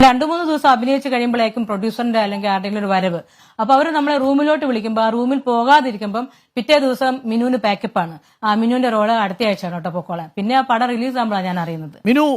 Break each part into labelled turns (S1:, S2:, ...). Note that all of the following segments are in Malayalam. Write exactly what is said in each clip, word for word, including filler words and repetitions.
S1: രണ്ടു മൂന്ന് ദിവസം അഭിനയിച്ച് കഴിയുമ്പോഴേക്കും പ്രൊഡ്യൂസറിന്റെ അല്ലെങ്കിൽ ആരുടെങ്കിലും ഒരു വരവ്. അപ്പൊ അവർ നമ്മളെ റൂമിലോട്ട് വിളിക്കുമ്പോൾ ആ റൂമിൽ പോകാതിരിക്കുമ്പോൾ പിറ്റേ ദിവസം മിനുവിന് പാക്കപ്പാണ്. ആ മിനുവിന്റെ റോള് അടുത്ത ആഴ്ചയാണ് കേട്ടോ പൊക്കോളാൻ. പിന്നെ ആ പടം റിലീസ് ആകുമ്പോഴാണ് ഞാൻ അറിയുന്നത്.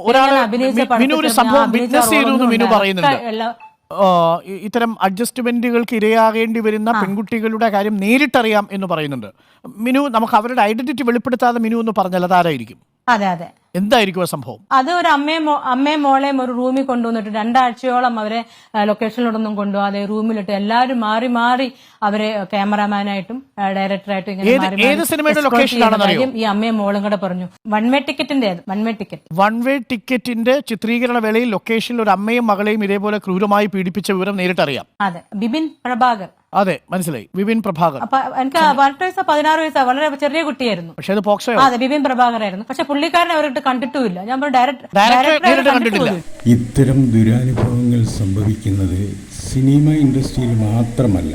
S2: ഇത്തരം അഡ്ജസ്റ്റ്മെന്റുകൾക്ക് ഇരയാകേണ്ടി വരുന്ന പെൺകുട്ടികളുടെ കാര്യം നേരിട്ടറിയാം എന്ന് പറയുന്നുണ്ട്. മിനു, നമുക്ക് അവരുടെ ഐഡന്റിറ്റി വെളിപ്പെടുത്താതെ മിനു എന്ന് പറഞ്ഞാൽ അതാരായിരിക്കും?
S1: അതെ അതെ
S2: എന്തായിരിക്കും ആ സംഭവം?
S1: അത് ഒരു അമ്മയും അമ്മയും മോളെയും ഒരു റൂമിൽ കൊണ്ടുവന്നിട്ട് രണ്ടാഴ്ചയോളം അവരെ ലൊക്കേഷനിലോടൊന്നും കൊണ്ടുപോകാതെ റൂമിലിട്ട് എല്ലാവരും മാറി മാറി അവരെ ക്യാമറാമാനായിട്ടും ഡയറക്ടറായിട്ടും ഇങ്ങനെ ഈ അമ്മയും മോളും കൂടെ പറഞ്ഞു. വൺ വേ ടിക്കറ്റിന്റെ one way ticket
S2: one way ടിക്കറ്റിന്റെ ചിത്രീകരണ വേളയിൽ ലൊക്കേഷനിൽ ഒരു അമ്മയും മകളെയും ഇതേപോലെ ക്രൂരമായി പീഡിപ്പിച്ച വിവരം നേരിട്ടറിയാം.
S1: അതെ, ബിപിൻ പ്രഭാകർ.
S2: അതെ, മനസ്സിലായി, ബിപിൻ പ്രഭാകർ.
S1: എനിക്ക് പതിനെട്ട് വയസ്സോ പതിനാറ് വയസ്സോ വളരെ ചെറിയ കുട്ടിയായിരുന്നു.
S2: പക്ഷേ അത് പോക്സോ.
S1: അതെ, ബിപിൻ പ്രഭാകർ ആയിരുന്നു. പക്ഷെ പുള്ളിക്കാരനെ അവരുടെ കണ്ടിട്ടുമില്ല. ഞാൻ
S2: കണ്ടിട്ടില്ല.
S3: ഇത്തരം ദുരനുഭവങ്ങൾ സംഭവിക്കുന്നത് സിനിമ ഇൻഡസ്ട്രിയിൽ മാത്രമല്ല,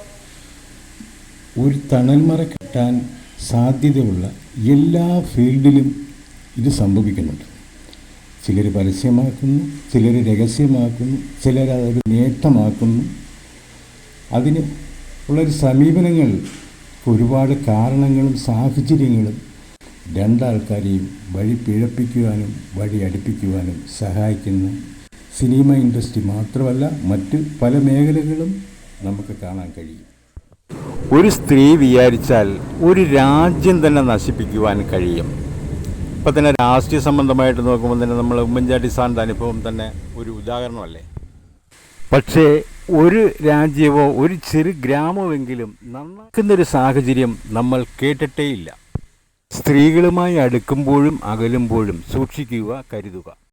S3: ഒരു തണൽമറ കിട്ടാൻ സാധ്യതയുള്ള എല്ലാ ഫീൽഡിലും ഇത് സംഭവിക്കുന്നുണ്ട്. ചിലർ പരസ്യമാക്കുന്നു, ചിലർ രഹസ്യമാക്കുന്നു, ചിലർ അതൊരു നേട്ടമാക്കുന്നു. അതിന് ഉള്ളൊരു സമീപനങ്ങൾ ഒരുപാട് കാരണങ്ങളും സാഹചര്യങ്ങളും രണ്ടാൾക്കാരെയും വഴി പിഴപ്പിക്കുവാനും വഴി അടുപ്പിക്കുവാനും സഹായിക്കുന്ന സിനിമ ഇൻഡസ്ട്രി മാത്രമല്ല, മറ്റ് പല മേഖലകളും നമുക്ക് കാണാൻ കഴിയും.
S4: ഒരു സ്ത്രീ വിചാരിച്ചാൽ ഒരു രാജ്യം തന്നെ നശിപ്പിക്കുവാൻ കഴിയും. ഇപ്പം തന്നെ രാഷ്ട്രീയ സംബന്ധമായിട്ട് നോക്കുമ്പോൾ തന്നെ നമ്മൾ ഉമ്മൻചാണ്ടി സാറിൻ്റെ അനുഭവം തന്നെ ഒരു ഉദാഹരണമല്ലേ. പക്ഷേ ഒരു രാജ്യമോ ഒരു ചെറു ഗ്രാമമെങ്കിലും നന്നാക്കുന്നൊരു സാഹചര്യം നമ്മൾ കേട്ടിട്ടേയില്ല. സ്ത്രീകളുമായി അടുക്കുമ്പോഴും അകലുമ്പോഴും സൂക്ഷിക്കുക, കരുതുക.